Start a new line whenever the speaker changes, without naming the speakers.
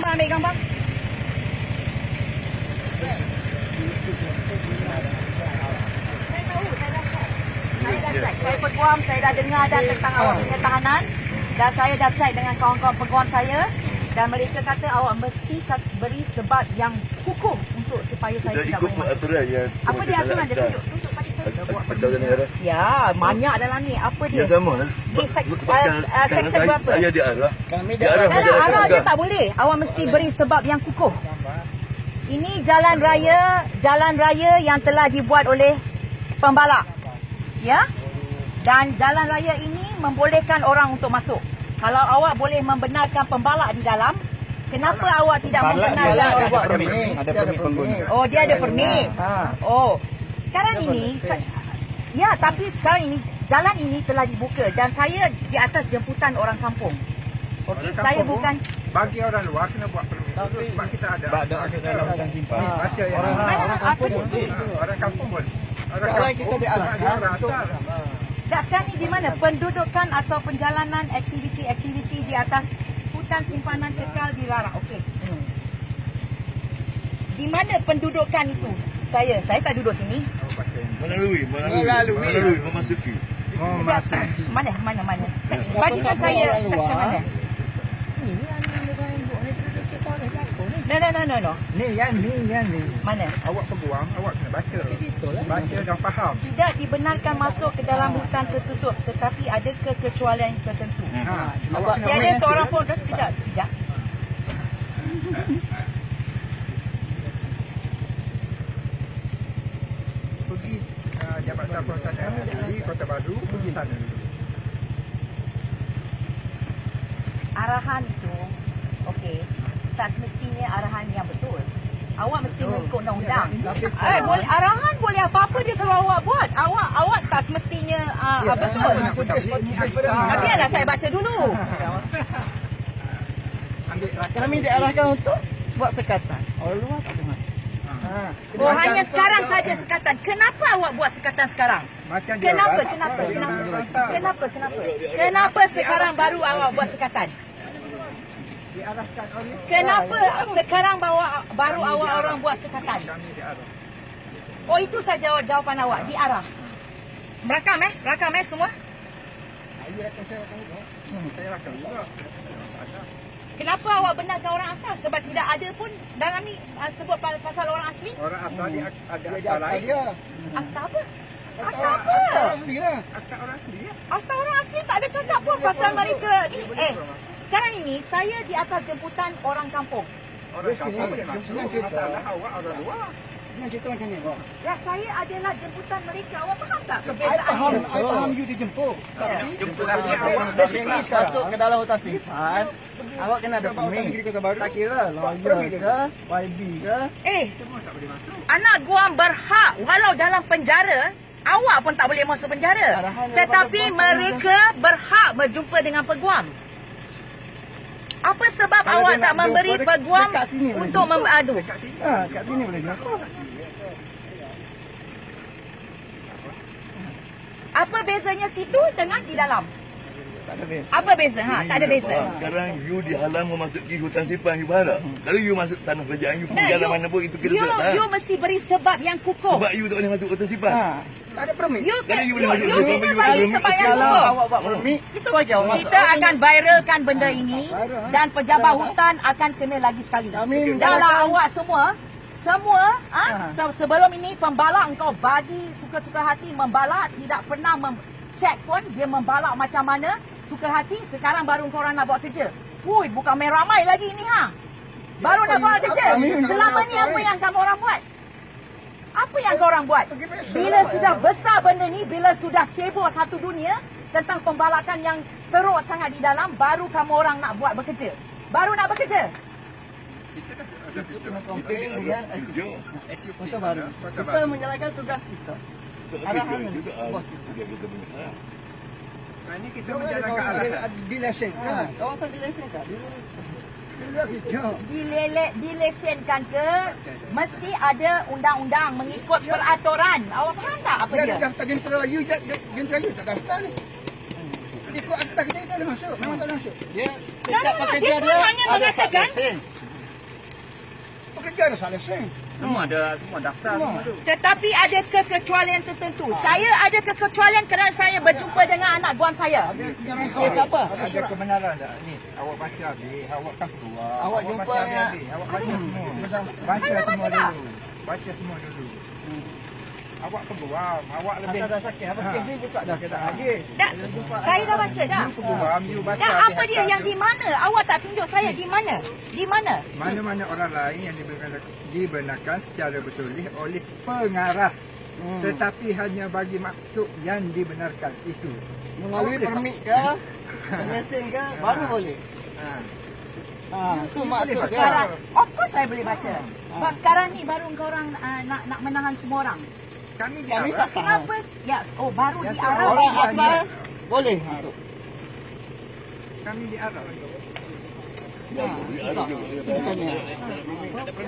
ambil gambar. Saya tahu, saya dah cek. Saya dah cek. Saya peguam, saya dah dengar dah tentang awak punya tahanan. Dan saya dah cek dengan kawan-kawan peguam saya. Dan mereka kata awak mesti beri sebab yang hukum untuk supaya saya tidak boleh masuk.
Aturan yang
apa dia aturan dia? Tunjuk pada saya. Ya, banyak dalam ni. Apa dia?
Ya sama lah.
Di section berapa?
Saya diarah.
Arah dia tak boleh. Awak mesti beri sebab yang kukuh. Ini jalan raya yang telah dibuat oleh pembalak. Ya? Dan jalan raya ini membolehkan orang untuk masuk. Kalau awak boleh membenarkan pembalak di dalam, kenapa awak tidak membenarkan orang buat permit?
Ada permit pengguna.
Oh, dia ada permit. Oh, sekarang ini ya, tapi sekarang ini jalan ini telah dibuka dan saya di atas jemputan orang kampung. Okey, saya bukan
bagi orang luar kena buat permit. Sebab kita ada. Ada dalam hutan simpan. Baca yang
orang kampung
boleh. Orang kampung boleh. Orang kampung kita diarahkan orang asal.
Tak, sekarang ni di mana pendudukan atau penjalanan aktiviti di atas hutan simpanan kekal dilarang. Okey. Di mana pendudukan itu? Saya tak duduk sini.
Melalui memasuki.
Mana? Section. Bagikan saya section mana? No.
Ni yang.
Mana?
Awak peguam, awak kena baca. Baca dan faham.
Tidak dibenarkan masuk ke dalam hutan tertutup, tetapi ada kekecualian tertentu. Tiada seorang pun. Sekejap.
Pergi Jabatan Perhutanan di Kota Baru, pergi sana dulu.
Arahan itu, okey, tak semestinya arahan yang betul. Awak mesti mengikut undang-undang. Arahan boleh apa-apa dia suruh awak buat. Awak tak semestinya betul. Tapi dah saya baca dulu.
Kami diarahkan untuk buat sekatan. Orang luar tak boleh masuk.
Oh, hanya sekarang saja sekatan. Kenapa awak buat sekatan sekarang? Kenapa sekarang baru awak buat sekatan? Kenapa sekarang baru awak orang buat sekatan? Oh, itu saja jawapan awak, diarah. Rakam semua?
Saya rakam juga.
Kenapa awak benarkan orang asal? Sebab tidak ada pun dalam ni sebut pasal orang asli.
Orang asal dia ada akta lain.
Akta apa?
Akta orang asli lah.
Akta orang asli tak ada cakap pun pasal mereka ni. Sekarang ini saya di atas jemputan orang kampung.
Orang kampung boleh masuk. Masalah awak orang luar.
Nak cerita macam ni, Pak?
Ya, saya adalah jemputan mereka. Awak faham tak perbezaan ni?
I faham you dijemput.
Tapi awak
Basically masuk ke dalam hutan simpan, awak kena ada permit. Tak kira lawyer ke, YB ke.
semua tak boleh masuk.
Anak guam berhak walau dalam penjara, awak pun tak boleh masuk penjara. Tetapi mereka berhak berjumpa dengan peguam. Apa sebab awak tak memberi peguam untuk mengadu?
Kat sini.
Kat sini boleh jumpa.
Apa bezanya situ dengan di dalam?
Tak ada beza.
Apa beza? Tak ada beza.
Sekarang you dihalang memasuki hutan simpan, you faham tak? Kalau you masuk tanah kerajaan, you pergi jalan mana pun, itu kita tak tahan.
You mesti beri sebab yang kukuh.
Sebab you tak boleh masuk hutan simpan.
Tak ada permit.
You
Kalau you boleh masuk
kena
hutan simpan,
bagi sebab yang
Kalau
kukuh.
awak buat permit, kita bagi awak masuk.
Kita akan viralkan benda ini dan pejabat hutan akan kena lagi sekali. Dahlah awak semua sebelum ini pembalak engkau bagi suka-suka hati membalak, tidak pernah cek pun dia membalak macam mana suka hati. Sekarang baru korang nak buat kerja. Hui, bukan main ramai lagi ni baru nak buat kerja. Selama ni apa yang kamu orang buat? Apa yang korang buat? Bila sudah besar benda ni, bila sudah sibuk satu dunia tentang pembalakan yang teruk sangat di dalam, baru kamu orang nak buat bekerja. Baru nak bekerja.
Kota Baru. Kita menjalankan tugas kita. Arahan bos kita.
Ini kita menjalankan arahan.
Dilesen. Kawasan dilesen tak?
Dilesenkan ke, mesti ada undang-undang mengikut peraturan. Awak faham tak apa dia?
Daftar jentera you, jentera you tak daftar ni. Ikut akta kita tak boleh masuk. Memang tak boleh masuk.
Dia
Dia hanya mengatakan
kerja dah selesai.
Semua daftar semua tu.
Tetapi ada kekecualian tertentu. Saya ada kekecualian kerana saya berjumpa dengan anak guam saya. Siapa?
Ada kebenaran tak? Ni, awak baca habis, awak kan keluar.
Awak
baca
jumpa
habis. Awak baca semua. Baca
Saya dah
semua
baca dah.
dulu. Baca semua dulu. Awak peguam, awak lebih
Dah sakit. Apa kes ni buka dah kita lagi.
Dah, saya dah baca dah.
you peguam, you baca.
Dan apa dia
hati-hati.
yang di mana? Awak tak tunjuk saya di mana? Di mana?
Mana-mana orang lain yang dibenarkan secara bertolak oleh pengarah. Tetapi hanya bagi maksud yang dibenarkan itu.
Melalui permit ke? Lesen ke? Baru boleh. Itu maksud dia.
Sekarang, of course saya boleh baca. Sebab sekarang ni baru korang nak menahan semua orang.
Kami
Kami
diarah.
tak faham.
Kenapa? Ya, oh baru
Yang
diarah.
Orang
Orang
asal boleh masuk.
Kami diarah.
Ya, ada juga.